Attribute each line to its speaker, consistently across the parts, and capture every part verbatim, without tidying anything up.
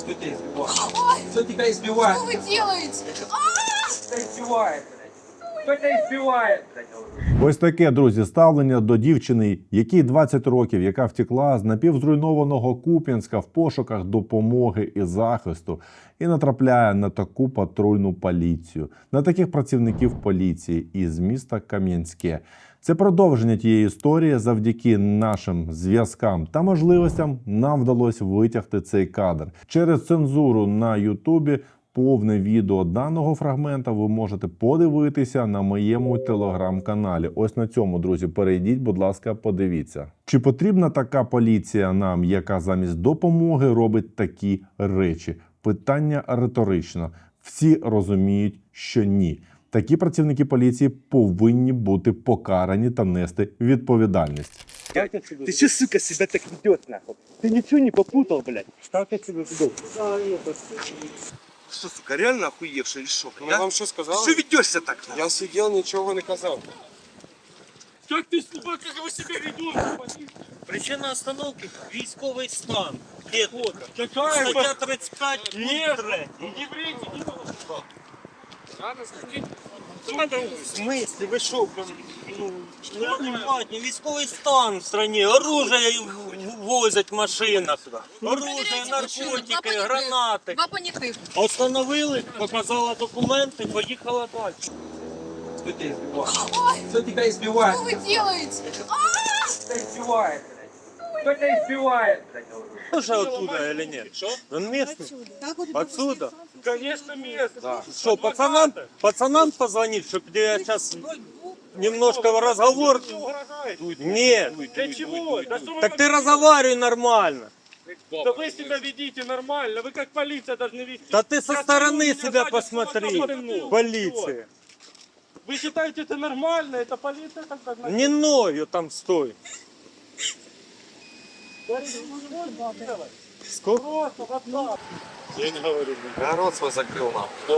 Speaker 1: Кто тебя избивает? Кто тебя избивает?
Speaker 2: Что вы делаете?
Speaker 1: Кто тебя избивает, блядь? Кто тебя избивает, блядь?
Speaker 3: Ось таке, друзі, ставлення до дівчини, якій двадцять років, яка втекла з напівзруйнованого Куп'янська в пошуках допомоги і захисту, і натрапляє на таку патрульну поліцію, на таких працівників поліції із міста Кам'янське. Це продовження тієї історії. Завдяки нашим зв'язкам та можливостям нам вдалося витягти цей кадр. Через цензуру на Ютубі повне відео даного фрагмента ви можете подивитися на моєму телеграм-каналі. Ось на цьому, друзі, перейдіть, будь ласка, подивіться. Чи потрібна така поліція нам, яка замість допомоги робить такі речі? Питання риторично. Всі розуміють, що ні. Такі працівники поліції повинні бути покарані та нести відповідальність.
Speaker 4: Ты че, сука, себя так ведет, нахуй? Ты ничего не попутал, блядь? Как я тебя веду?
Speaker 5: Что, сука, реально охуевший или что?
Speaker 6: Я вам що сказав?
Speaker 5: Что ведешься так?
Speaker 6: Я сидел, нічого не казав.
Speaker 4: Как ты, сука, как вы себя ведете?
Speaker 7: Причина остановки – військовий стан. Де тут?
Speaker 4: Какая
Speaker 7: Стаття тридцять п'ять,
Speaker 4: Нет,
Speaker 7: пункт три.
Speaker 4: не врите, не надо.
Speaker 7: Надо сказати. В смысле, ви що, ну, неадекватні, військовий стан в стране, оружие возять в машинах, оружие, наркотики, гранати.
Speaker 2: Два понятых.
Speaker 7: Остановили, показала документи, поїхала далі.
Speaker 1: Кто тебя избивает? Кто тебя избивает?
Speaker 2: Что вы делаете?
Speaker 1: Кто тебя избивает, блядь? Кто тебя избивает, блядь?
Speaker 7: Уже оттуда или нет? Что? Он местный? Отсюда?
Speaker 4: Конечно, место. Да.
Speaker 7: Что, пацанам, пацанам позвонить, чтобы я сейчас немножко в разговор... Нет.
Speaker 4: Для чего? Да что вы
Speaker 7: Так ты разговаривай нормально.
Speaker 4: Да вы себя ведите нормально, вы как полиция должны вести.
Speaker 7: Да ты со
Speaker 4: Я
Speaker 7: стороны
Speaker 4: стою,
Speaker 7: себя
Speaker 4: меня сзади
Speaker 7: посмотри.
Speaker 4: собака пнула.
Speaker 7: Полиция.
Speaker 4: Вы считаете это нормально? Это полиция так должна
Speaker 7: Не ною там стой. Сколько?
Speaker 4: Просто вот так.
Speaker 7: Я не говорю.
Speaker 6: Я рот свой закрыл, нахуй.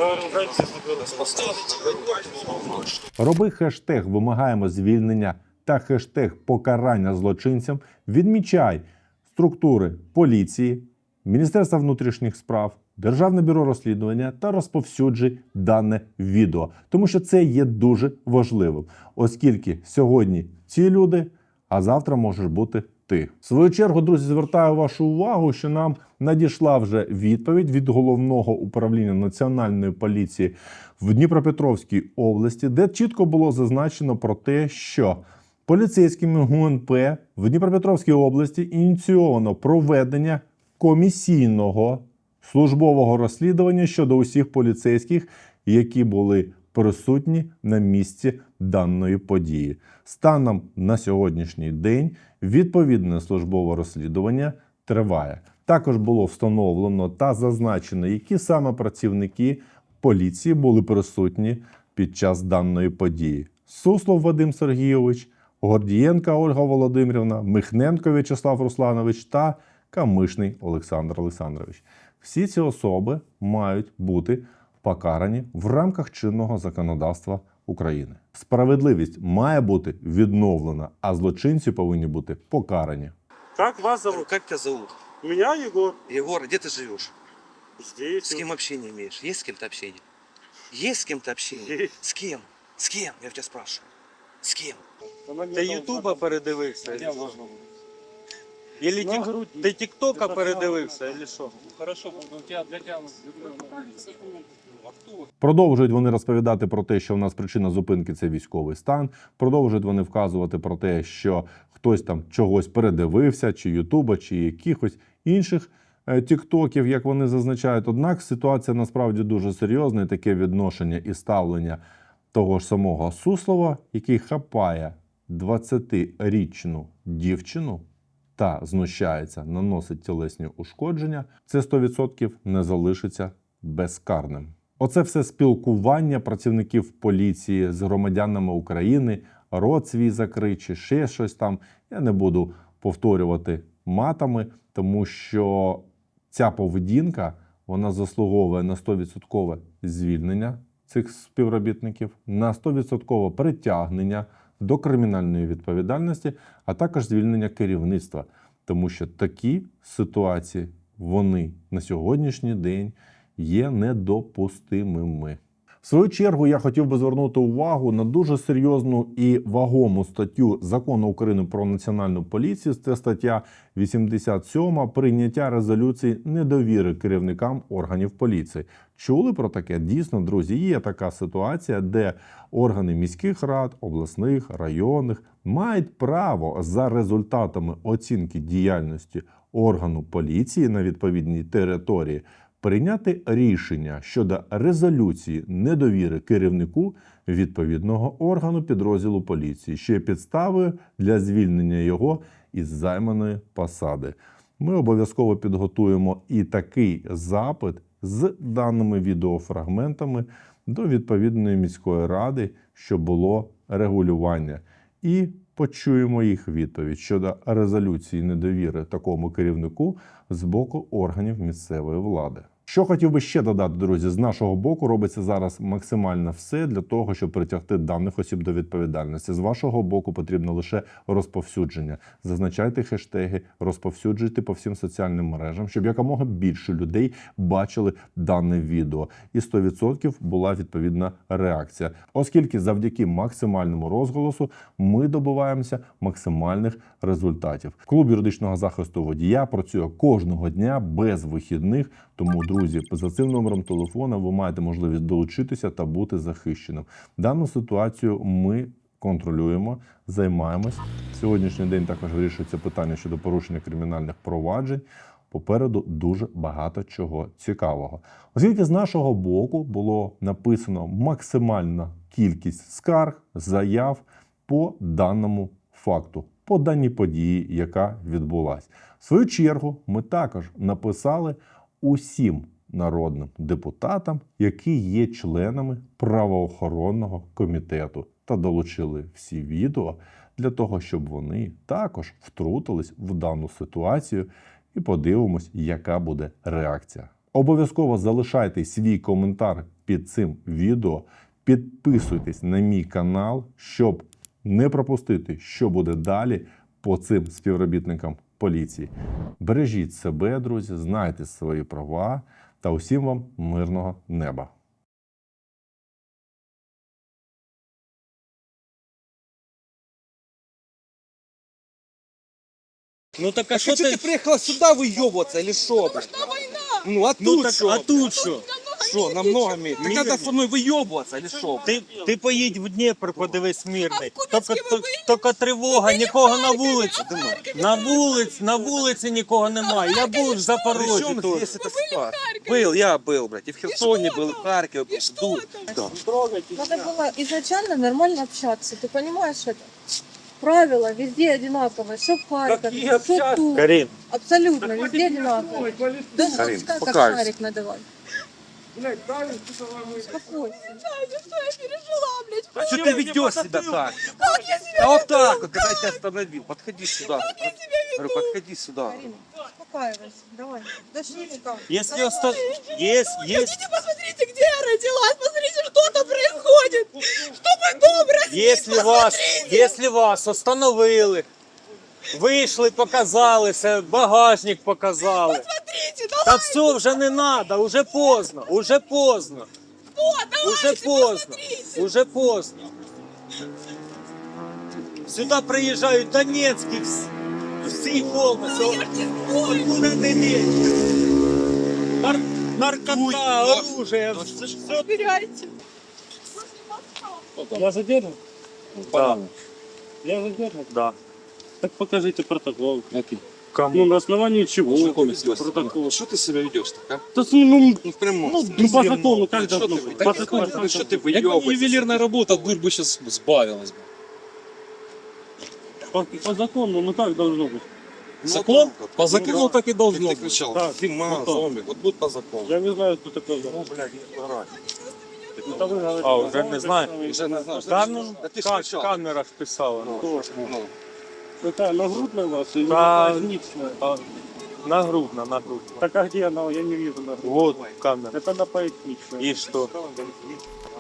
Speaker 3: Роби хештег «Вимагаємо звільнення» та хештег «Покарання злочинцям». Відмічай структури поліції, Міністерства внутрішніх справ, Державне бюро розслідування та розповсюджуй дане відео. Тому що це є дуже важливим, оскільки сьогодні ці люди, а завтра можеш бути ти. В свою чергу, друзі, звертаю вашу увагу, що нам надійшла вже відповідь від Головного управління Національної поліції в Дніпропетровській області, де чітко було зазначено про те, що поліцейськими ГУНП в Дніпропетровській області ініційовано проведення комісійного службового розслідування щодо усіх поліцейських, які були присутні на місці даної події. Станом на сьогоднішній день відповідне службове розслідування триває. Також було встановлено та зазначено, які саме працівники поліції були присутні під час даної події. Суслов Вадим Сергійович, Гордієнка Ольга Володимирівна, Михненко В'ячеслав Русланович та Камишний Олександр Олександрович. Всі ці особи мають бути покарані в рамках чинного законодавства України. Справедливість має бути відновлена, а злочинці повинні бути покарані.
Speaker 4: Как вас зовут?
Speaker 5: Как тебя зовут?
Speaker 4: Меня Егор.
Speaker 5: Егор, где ты живешь?
Speaker 4: Здесь.
Speaker 5: С кем общение имеешь? Есть с кем-то общение? Есть с кем-то общение?
Speaker 4: Есть.
Speaker 5: С кем? С кем? Я тебя спрашиваю. С кем?
Speaker 7: Ти Ютуба передивився?
Speaker 4: Я можна.
Speaker 7: Или
Speaker 4: На
Speaker 7: тік...
Speaker 4: груді.
Speaker 7: Ти Тіктока передивився, или що?
Speaker 4: Хорошо, у тебя для тебя...
Speaker 3: Продовжують вони розповідати про те, що в нас причина зупинки – це військовий стан. Продовжують вони вказувати про те, що хтось там чогось передивився, чи Ютуба, чи якихось інших е, тіктоків, як вони зазначають. Однак ситуація насправді дуже серйозна, і таке відношення і ставлення того ж самого Суслова, який хапає двадцятирічну дівчину та знущається, наносить тілесні ушкодження, це сто відсотків не залишиться безкарним. Оце все спілкування працівників поліції з громадянами України, рот свій закрий чи ще щось там. Я не буду повторювати матами, тому що ця поведінка, вона заслуговує на сто відсотків звільнення цих співробітників, на сто відсотків притягнення до кримінальної відповідальності, а також звільнення керівництва. Тому що такі ситуації вони на сьогоднішній день є недопустимими. В свою чергу я хотів би звернути увагу на дуже серйозну і вагому статтю Закону України про національну поліцію. Це стаття вісімдесят сьома «Прийняття резолюції недовіри керівникам органів поліції». Чули про таке? Дійсно, друзі, є така ситуація, де органи міських рад, обласних, районних мають право за результатами оцінки діяльності органу поліції на відповідній території прийняти рішення щодо резолюції недовіри керівнику відповідного органу підрозділу поліції, що є підставою для звільнення його із займаної посади. Ми обов'язково підготуємо і такий запит з даними відеофрагментами до відповідної міської ради, щоб було регулювання. І почуємо їх відповідь щодо резолюції недовіри такому керівнику з боку органів місцевої влади. Що хотів би ще додати, друзі, з нашого боку робиться зараз максимально все для того, щоб притягти даних осіб до відповідальності. З вашого боку потрібно лише розповсюдження. Зазначайте хештеги, розповсюджуйте по всім соціальним мережам, щоб якомога більше людей бачили дане відео. І сто відсотків була відповідна реакція. Оскільки завдяки максимальному розголосу ми добиваємося максимальних результатів. Клуб юридичного захисту водія працює кожного дня без вихідних, тому, друзі, за цим номером телефона ви маєте можливість долучитися та бути захищеним. Дану ситуацію ми контролюємо, займаємось. Сьогоднішній день також вирішується питання щодо порушення кримінальних проваджень. Попереду дуже багато чого цікавого. Оскільки з нашого боку було написано максимальна кількість скарг, заяв по даному факту, по даній події, яка відбулась. В свою чергу ми також написали усім народним депутатам, які є членами правоохоронного комітету, та долучили всі відео для того, щоб вони також втрутились в дану ситуацію і подивимось, яка буде реакція. Обов'язково залишайте свій коментар під цим відео, підписуйтесь на мій канал, щоб не пропустити, що буде далі по цим співробітникам поліції. Бережіть себе, друзі, знайте свої права та усім вам мирного неба.
Speaker 7: Ну так а
Speaker 5: А
Speaker 7: що
Speaker 5: что
Speaker 7: ти...
Speaker 5: ты приехала сюда выебываться или что, блядь? Ну а
Speaker 7: Ну
Speaker 5: тут
Speaker 7: так,
Speaker 5: что?
Speaker 7: а тут що?
Speaker 5: Что, намного меньше? Так
Speaker 7: Мир-
Speaker 5: надо со мной выебываться или что?
Speaker 7: Ти, ти поїдь в Дніпр, подивись мирний.
Speaker 2: А в
Speaker 7: Тільки,
Speaker 2: Куп'янській ви
Speaker 7: тільки тривога, нікого на
Speaker 2: Харкові,
Speaker 7: вулиці.
Speaker 2: а в Харкові
Speaker 7: На
Speaker 2: ви
Speaker 7: вулиці, на вулиці нікого немає. Я був в Запорожжі
Speaker 5: Причем
Speaker 7: тут.
Speaker 5: здесь эта ситуация? Был, я был, блядь, и в Херсоне был, и в Харькове был.
Speaker 2: И что
Speaker 5: Да.
Speaker 2: Надо было изначально нормально общаться, ты понимаешь это? Правила везде одинаковые, что в Харькове, что тут.
Speaker 7: Карін,
Speaker 2: Абсолютно, везде одинаковые. Да ну,
Speaker 5: Карин,
Speaker 2: как, как
Speaker 5: покайся.
Speaker 2: шарик надавай. Успокойся. Что я пережила, блядь?
Speaker 5: А что ты ведешь себя так?
Speaker 2: Как я себя
Speaker 5: А вот так вот, когда я тебя остановил. Подходи сюда.
Speaker 2: Как я себя веду?
Speaker 5: Говорю, подходи сюда.
Speaker 2: Карина, успокаивайся, давай. Дошли-ка.
Speaker 7: якщо оста... є, є,
Speaker 2: Хотите, посмотрите, где я родилась, посмотрите, что там происходит. Чтобы дом разбить,
Speaker 7: якщо вас,
Speaker 2: посмотрите.
Speaker 7: якщо вас остановили, вийшли, показалися, багажник показали.
Speaker 2: Посмотрите,
Speaker 7: Та
Speaker 2: давай,
Speaker 7: все, вже не треба, уже поздно, уже поздно,
Speaker 2: что, давайте,
Speaker 7: уже поздно,
Speaker 2: посмотрите.
Speaker 7: уже поздно. Сюди приїжджають Донецькі всі, всі повністю.
Speaker 2: Я ж не спорю.
Speaker 7: Откуда ти лезешь? Нар... Наркота, оружие, все, все.
Speaker 2: Убирайте.
Speaker 8: Я задержан?
Speaker 7: Да.
Speaker 8: Я задержан?
Speaker 7: Да.
Speaker 8: Так покажите протокол.
Speaker 6: Який?
Speaker 8: Ну, на основании чего?
Speaker 6: Знакомец,
Speaker 8: Протокол.
Speaker 6: Что ты себя ведешь так, а?
Speaker 8: Да, ну, ну,
Speaker 5: Ну в прямом.
Speaker 8: ну, ну, по закону, как
Speaker 6: Что
Speaker 8: должно
Speaker 6: ты,
Speaker 8: быть?
Speaker 6: да
Speaker 8: По
Speaker 6: не
Speaker 8: закону,
Speaker 6: ходит, ну
Speaker 8: как
Speaker 6: что
Speaker 8: должно
Speaker 6: ты
Speaker 8: быть?
Speaker 6: выебываешься?
Speaker 9: Ювелирная работа, дурь бы сейчас сбавилась бы.
Speaker 8: По, по закону, ну как должно быть?
Speaker 9: Закон?
Speaker 6: так вот.
Speaker 9: По закону
Speaker 6: Ну,
Speaker 9: так и
Speaker 6: Ты,
Speaker 9: должно
Speaker 6: ты
Speaker 9: быть.
Speaker 6: кричал,
Speaker 8: Так,
Speaker 6: Дима,
Speaker 8: ну, так.
Speaker 6: зомби, вот будь по закону.
Speaker 8: Я не знаю, кто такой.
Speaker 6: Ну, блядь, не орать.
Speaker 8: Это вы говорите,
Speaker 7: А, уже не знаю.
Speaker 6: Уже не знаю.
Speaker 7: Та ну,
Speaker 6: Да ты ж
Speaker 7: ка-
Speaker 6: кричал.
Speaker 7: камера ж писала.
Speaker 6: Ну, ну.
Speaker 8: Какая, нагрудная у вас или
Speaker 7: Да.
Speaker 8: поясничная?
Speaker 7: А, Нагрудно, нагрудно.
Speaker 8: Так а где она? Я не вижу нагрудную.
Speaker 7: Вот камера.
Speaker 8: Это на поясничной.
Speaker 7: И что?